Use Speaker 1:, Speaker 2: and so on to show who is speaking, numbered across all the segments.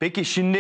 Speaker 1: Peki şimdi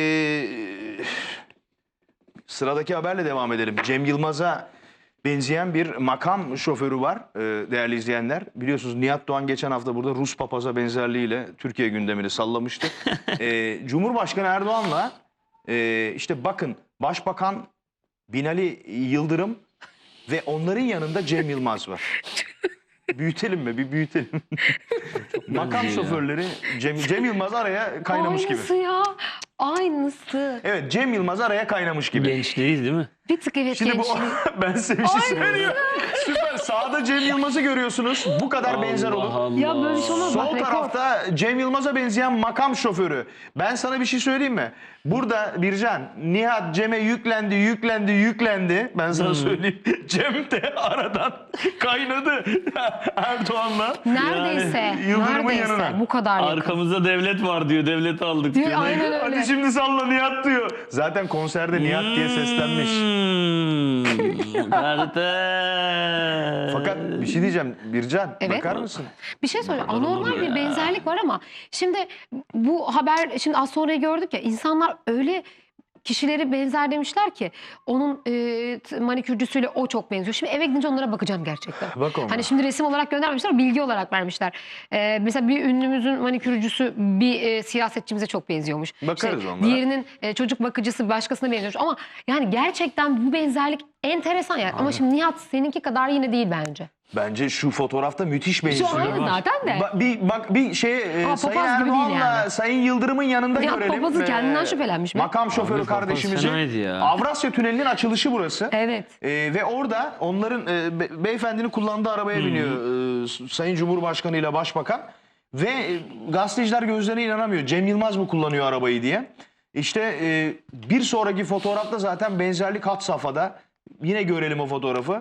Speaker 1: sıradaki haberle devam edelim. Cem Yılmaz'a benzeyen bir makam şoförü var değerli izleyenler. Biliyorsunuz Nihat Doğan geçen hafta burada Rus papaza benzerliğiyle Türkiye gündemini sallamıştı. Cumhurbaşkanı Erdoğan'la işte bakın Başbakan Binali Yıldırım ve onların yanında Cem Yılmaz var. Büyütelim mi? Bir büyütelim. Makam şoförleri Cem Yılmaz araya kaynamış gibi.
Speaker 2: Aynısı ya. Aynısı.
Speaker 1: Evet, Cem Yılmaz araya kaynamış gibi.
Speaker 3: Genç değil mi?
Speaker 2: Bir tık evet
Speaker 1: Şimdi bu
Speaker 2: gençlik.
Speaker 1: ben size bir şey söyleyeyim. Süper. Sağda Cem Yılmaz'ı görüyorsunuz. Bu kadar benzer olur.
Speaker 3: Allah.
Speaker 2: Ya böyle bir şey olmaz.
Speaker 1: Sol
Speaker 2: Bak, rekor.
Speaker 1: tarafta Cem Yılmaz'a benzeyen makam şoförü. Ben sana bir şey söyleyeyim mi? Burada Bircan, Nihat Cem'e yüklendi. Ben sana söyleyeyim. Cem de aradan kaynadı Erdoğan'la.
Speaker 2: Neredeyse.
Speaker 1: Yıldırım'ın
Speaker 2: Neredeyse.
Speaker 1: yanına.
Speaker 2: Bu kadar yakın.
Speaker 3: Arkamızda devlet var diyor. Devleti aldık
Speaker 2: Diyor,
Speaker 3: diyor.
Speaker 2: aynen öyle.
Speaker 1: Hadi şimdi salla Nihat diyor. Zaten konserde Nihat diye seslenmiş.
Speaker 3: Kardeş.
Speaker 1: Fakat bir şey diyeceğim Bircan,
Speaker 2: Evet.
Speaker 1: bakar mısın?
Speaker 2: Bir şey söyleyeyim. Anormal bir benzerlik var ama şimdi bu haber, şimdi az sonra gördük ya, insanlar öyle kişileri benzer demişler ki onun manikürcüsüyle o çok benziyor. Şimdi eve gidince onlara bakacağım gerçekten.
Speaker 1: Bak ona.
Speaker 2: Hani şimdi resim olarak göndermemişler, bilgi olarak vermişler. Mesela bir ünlümüzün manikürcüsü bir siyasetçimize çok benziyormuş.
Speaker 1: Bakarız onlara.
Speaker 2: Diğerinin çocuk bakıcısı başkasına benziyormuş. Ama yani gerçekten bu benzerlik enteresan yani. Ama şimdi Nihat seninki kadar yine değil bence.
Speaker 1: Bence şu fotoğrafta müthiş benziyor.
Speaker 2: Şu aynı zaten de.
Speaker 1: Bir
Speaker 2: Ama
Speaker 1: Sayın
Speaker 2: papaz gibi değil
Speaker 1: Erdoğan'la
Speaker 2: yani.
Speaker 1: Sayın Yıldırım'ın yanında
Speaker 2: Nihat
Speaker 1: görelim.
Speaker 2: papazı kendinden şüphelenmiş mi?
Speaker 1: Makam şoförü
Speaker 3: Abi papaz
Speaker 1: kardeşimizin
Speaker 3: fenaydı ya.
Speaker 1: Avrasya Tüneli'nin açılışı burası.
Speaker 2: Evet.
Speaker 1: Ve orada onların beyefendinin kullandığı arabaya biniyor Sayın Cumhurbaşkanı ile Başbakan. Ve gazeteciler gözlerine inanamıyor. Cem Yılmaz mı kullanıyor arabayı diye. İşte bir sonraki fotoğrafta zaten benzerlik had safhada. Yine görelim o fotoğrafı.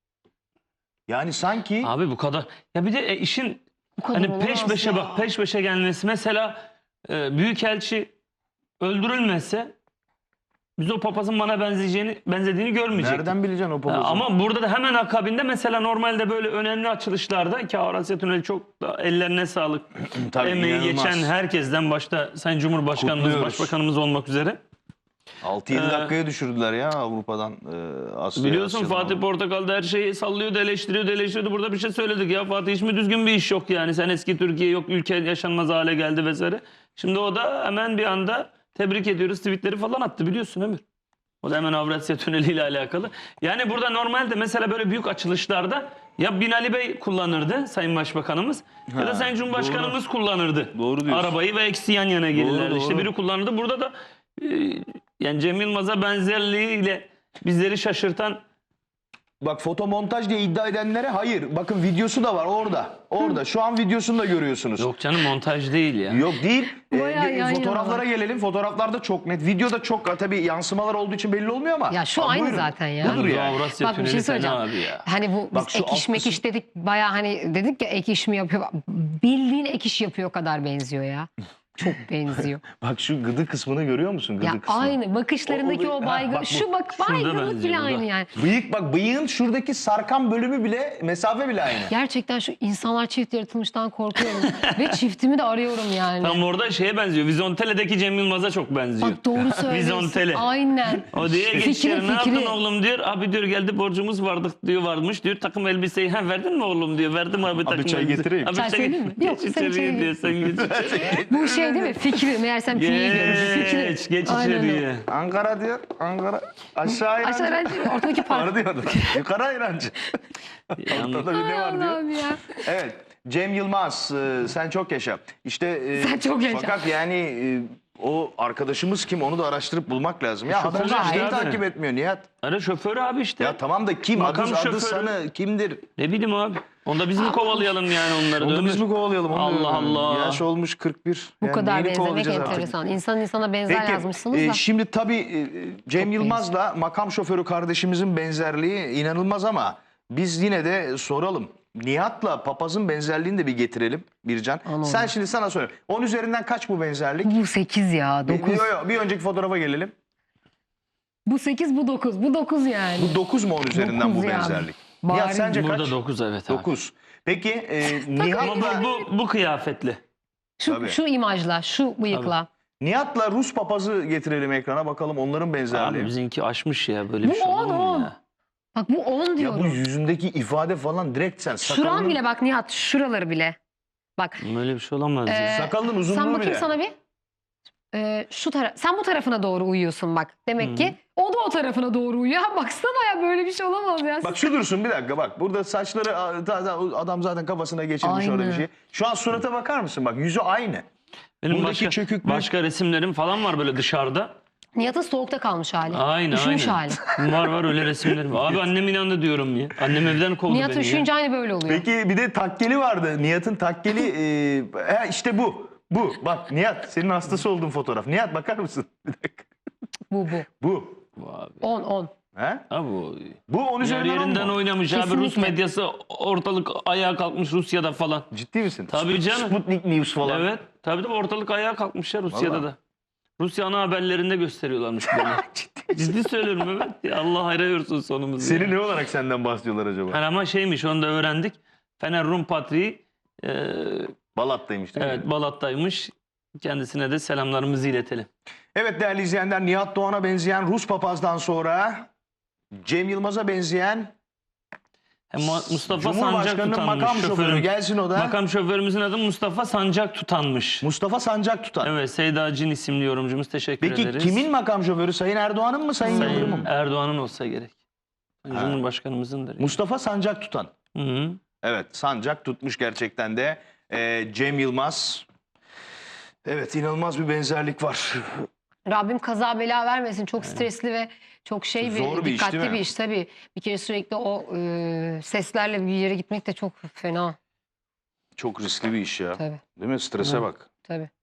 Speaker 1: Yani sanki...
Speaker 3: Abi bu kadar. Ya bir de işin
Speaker 2: Bu kadar
Speaker 3: hani
Speaker 2: olamaz
Speaker 3: peş peşe
Speaker 2: ya.
Speaker 3: bak, peş peşe gelmesi. Mesela büyükelçi öldürülmese biz o papazın bana benzediğini görmeyecektik.
Speaker 1: Nereden bileceksin o papazı?
Speaker 3: Ama burada da hemen akabinde mesela normalde böyle önemli açılışlarda ki Avrasya Tüneli çok da ellerine sağlık.
Speaker 1: Tabii,
Speaker 3: Emeği
Speaker 1: inanılmaz.
Speaker 3: geçen herkesten başta Sayın Cumhurbaşkanımız,
Speaker 1: Kutluyoruz.
Speaker 3: Başbakanımız olmak üzere.
Speaker 1: 6-7 dakikaya düşürdüler ya Avrupa'dan Asya'ya.
Speaker 3: Biliyorsun
Speaker 1: Asya'dan
Speaker 3: Fatih Portakal'da her şeyi sallıyordu, eleştiriyordu. Burada bir şey söyledik ya Fatih, hiç mi düzgün bir iş yok yani? Sen eski Türkiye yok, ülke yaşanmaz hale geldi vesaire. Şimdi o da hemen bir anda tebrik ediyoruz tweetleri falan attı, biliyorsun Ömür. O da hemen Avrasya Tüneli ile alakalı. Yani burada normalde mesela böyle büyük açılışlarda ya Binali Bey kullanırdı Sayın Başbakanımız ya da Sayın Cumhurbaşkanımız kullanırdı.
Speaker 1: Doğru diyorsun.
Speaker 3: Arabayı ve ikisi yan yana gelirlerdi.
Speaker 1: Doğru.
Speaker 3: İşte biri kullanırdı. Burada da yani Cem Yılmaz'a benzerliğiyle bizleri şaşırtan.
Speaker 1: Bak fotomontaj diye iddia edenlere hayır. Bakın videosu da var orada. Orada. Şu an videosunu da görüyorsunuz.
Speaker 3: Yok canım, montaj değil ya.
Speaker 1: Yok değil.
Speaker 2: Bayağı yan
Speaker 1: Fotoğraflara
Speaker 2: yana.
Speaker 1: gelelim. Fotoğraflarda çok net. Videoda çok tabii yansımalar olduğu için belli olmuyor ama.
Speaker 2: Ya şu aynı zaten ya.
Speaker 1: Budur
Speaker 3: Bu
Speaker 1: yani.
Speaker 3: Avrasya
Speaker 2: Bak bir
Speaker 3: Tüneli
Speaker 2: şey
Speaker 3: fena
Speaker 2: söyleyeceğim.
Speaker 3: abi ya.
Speaker 2: Hani bu
Speaker 1: Bak
Speaker 2: biz
Speaker 1: şu
Speaker 2: ek iş
Speaker 1: alt
Speaker 2: mek iş dedik, bayağı hani dedik ya ek iş mi yapıyor? Bildiğin ek iş yapıyor kadar benziyor ya. Çok benziyor.
Speaker 1: Bak şu gıdı kısmını görüyor musun? Gıdı
Speaker 2: Ya
Speaker 1: kısmını.
Speaker 2: aynı bakışlarındaki
Speaker 1: O-
Speaker 2: o
Speaker 1: ha,
Speaker 2: baygın.
Speaker 1: bak bu.
Speaker 2: Şu bak
Speaker 3: Şurada
Speaker 2: baygınlık bile
Speaker 3: benziyor,
Speaker 2: aynı
Speaker 3: burada.
Speaker 2: yani.
Speaker 1: Bıyık bak bıyığın şuradaki sarkan bölümü bile mesafe bile aynı.
Speaker 2: Gerçekten şu insanlar çift yaratılmıştan korkuyorum. Ve çiftimi de arıyorum yani.
Speaker 3: Tam orada şeye benziyor. Vizontele'deki Cem Yılmaz'a çok benziyor.
Speaker 2: Bak doğru söylüyorsun.
Speaker 3: Vizontele.
Speaker 2: Aynen.
Speaker 3: O diye
Speaker 2: Fikri,
Speaker 3: geçiyor. Ne yaptın
Speaker 2: fikri.
Speaker 3: oğlum diyor. Abi diyor geldi borcumuz varmış diyor. Takım elbiseyi verdin mi oğlum diyor. Verdim abi takım
Speaker 1: çay
Speaker 3: elbise.
Speaker 1: getireyim.
Speaker 3: Abi
Speaker 2: Çay söyleyeyim mi? Yok,
Speaker 3: Geç
Speaker 2: sen
Speaker 3: içeriye
Speaker 2: içeri
Speaker 3: diyor.
Speaker 2: gir.
Speaker 3: Sen geç içeriye.
Speaker 2: Bu şey değil mi? Fikri. Meğersem fiil diyormuş. Fikri.
Speaker 3: Geç
Speaker 2: Aynen öyle.
Speaker 3: içeriye.
Speaker 1: Ankara diyor. Ankara. Aşağı inancı.
Speaker 2: Aşağı öğrenci ortadaki park.
Speaker 1: Var diyordu. Yukarı inancı. Ortada bir ne var diyor.
Speaker 2: Allah'ım ya.
Speaker 1: Evet. Cem Yılmaz sen çok yaşa. İşte
Speaker 2: Sen çok yaşa.
Speaker 1: Fakat yani o arkadaşımız kim onu da araştırıp bulmak lazım. Ya
Speaker 3: Şoför
Speaker 1: haberler
Speaker 3: işte
Speaker 1: niye
Speaker 3: abi.
Speaker 1: takip etmiyor Nihat?
Speaker 3: Ara şoförü abi işte.
Speaker 1: Ya tamam da kim?
Speaker 3: Makam
Speaker 1: Adı
Speaker 3: şoförü.
Speaker 1: sanı kimdir?
Speaker 3: Ne bileyim abi. Onda biz mi kovalayalım yani onları?
Speaker 1: Onu da
Speaker 3: Ömür?
Speaker 1: biz mi kovalayalım? Onu
Speaker 3: Allah
Speaker 1: diyorum.
Speaker 3: Allah.
Speaker 1: Yaş olmuş 41.
Speaker 2: Bu
Speaker 1: Yani
Speaker 2: kadar
Speaker 1: neyini
Speaker 2: benzemek
Speaker 1: kovalayacağız artık?
Speaker 2: enteresan. İnsan insana benzer
Speaker 1: Peki,
Speaker 2: yazmışsınız da.
Speaker 1: şimdi tabii Cem
Speaker 2: Çok
Speaker 1: Yılmaz'la makam şoförü kardeşimizin benzerliği inanılmaz ama biz yine de soralım. Nihat'la papazın benzerliğini de bir getirelim Bircan.
Speaker 2: Anladım.
Speaker 1: Sen şimdi sana söyle. 10 üzerinden kaç bu benzerlik?
Speaker 2: Bu 8 ya. 9.
Speaker 1: Bir önceki fotoğrafa gelelim.
Speaker 2: Bu 8, bu 9. Bu 9 yani.
Speaker 1: Bu 9 mu 10 üzerinden
Speaker 2: 9
Speaker 1: bu
Speaker 2: yani.
Speaker 1: benzerlik?
Speaker 2: Bari
Speaker 1: Nihat sence kaç?
Speaker 3: Burada 9 evet abi.
Speaker 1: 9. Peki
Speaker 3: Ama
Speaker 1: Nihat'la...
Speaker 3: bu kıyafetli.
Speaker 2: Şu,
Speaker 1: Tabii.
Speaker 2: şu imajla, şu bıyıkla.
Speaker 1: Nihat'la Rus papazı getirelim ekrana bakalım onların benzerliği.
Speaker 3: Abi bizimki aşmış ya, böyle bir
Speaker 2: Bu
Speaker 3: şey olur mu
Speaker 2: 10.
Speaker 3: ya?
Speaker 2: Bak bu 10
Speaker 1: Ya
Speaker 2: diyorum.
Speaker 1: bu yüzündeki ifade falan direkt sen
Speaker 2: Şuran
Speaker 1: sakalının,
Speaker 2: bile bak Nihat, şuraları bile. Bak.
Speaker 3: Böyle bir şey olamaz ya.
Speaker 1: sakalının uzunluğu
Speaker 2: Sen bakayım
Speaker 1: bile.
Speaker 2: sana bir. Sen bu tarafına doğru uyuyorsun bak. Demek ki o da o tarafına doğru uyuyor. Ha, baksana ya, böyle bir şey olamaz ya.
Speaker 1: Bak şu dursun bir dakika bak. Burada saçları adam zaten kafasına geçirmiş orada bir
Speaker 2: Aynı.
Speaker 1: şey. Şu an surata bakar mısın? Bak yüzü aynı.
Speaker 3: Benim
Speaker 1: buradaki çöküklük-
Speaker 3: başka resimlerim falan var böyle dışarıda.
Speaker 2: Nihat'ın soğukta kalmış hali.
Speaker 3: Aynen
Speaker 2: Üşümüş
Speaker 3: aynen.
Speaker 2: hali.
Speaker 3: Var öyle resimlerim. Abi annem inandı diyorum ya. Annem evden kovdu
Speaker 2: Nihat
Speaker 3: beni ya.
Speaker 2: üşüyünce aynı böyle oluyor.
Speaker 1: Peki bir de takkeli vardı. Nihat'ın takkeli işte bu. Bu. Bak Nihat senin hastası olduğun fotoğraf. Nihat bakar mısın? Bir dakika.
Speaker 2: Bu.
Speaker 1: Bu.
Speaker 3: Abi.
Speaker 2: 10.
Speaker 1: He?
Speaker 3: Abi o
Speaker 1: Bu 10
Speaker 3: yer
Speaker 1: üzerinden 10
Speaker 3: yerinden
Speaker 1: mu?
Speaker 3: oynamış abi. Rus
Speaker 2: Kesinlikle.
Speaker 3: medyası ortalık ayağa kalkmış Rusya'da falan.
Speaker 1: Ciddi misin?
Speaker 3: Tabii canım.
Speaker 1: Sputnik News falan.
Speaker 3: Evet. Tabii de ortalık ayağa kalkmış ya Rusya'da
Speaker 1: Vallahi.
Speaker 3: da. Rusya ana haberlerinde gösteriyorlarmış bunu. Ciddi söylüyorum evet. Ya Allah hayra yorsun sonumuzu.
Speaker 1: Seni
Speaker 3: ya.
Speaker 1: ne olarak senden bahsediyorlar acaba?
Speaker 3: Yani ama şeymiş, onu da öğrendik. Fener Rum Patriği
Speaker 1: Balat'taymış değil mi?
Speaker 3: evet Balat'taymış. Kendisine de selamlarımızı iletelim.
Speaker 1: Evet değerli izleyenler, Nihat Doğan'a benzeyen Rus papazdan sonra Cem Yılmaz'a benzeyen
Speaker 3: Mustafa Sancak
Speaker 1: Cumhurbaşkanı'nın
Speaker 3: tutanmış
Speaker 1: makam şoförü
Speaker 3: şoförüm.
Speaker 1: gelsin o da.
Speaker 3: Makam şoförümüzün adı Mustafa Sancak tutanmış.
Speaker 1: Mustafa Sancak tutan.
Speaker 3: Evet, Seyda Cin isimli yorumcumuz, teşekkür
Speaker 1: Peki
Speaker 3: ederiz.
Speaker 1: kimin makam şoförü? Sayın Erdoğan'ın mı Sayın Yıldırım'ın
Speaker 3: Sayın
Speaker 1: mı?
Speaker 3: Erdoğan'ın olsa gerek. Cumhurbaşkanımızındır.
Speaker 1: Mustafa Sancak tutan.
Speaker 3: Hı -hı.
Speaker 1: Evet, Sancak tutmuş gerçekten de. Cem Yılmaz. Evet, inanılmaz bir benzerlik var.
Speaker 2: Rabbim kaza bela vermesin. Çok stresli ve çok
Speaker 1: Zor bir iş,
Speaker 2: dikkatli
Speaker 1: değil mi?
Speaker 2: bir iş tabii. Bir kere sürekli o seslerle bir yere gitmek de çok fena.
Speaker 1: Çok riskli bir iş ya.
Speaker 2: Tabii.
Speaker 1: Değil mi? Strese
Speaker 3: Hı.
Speaker 1: bak.
Speaker 2: Tabii.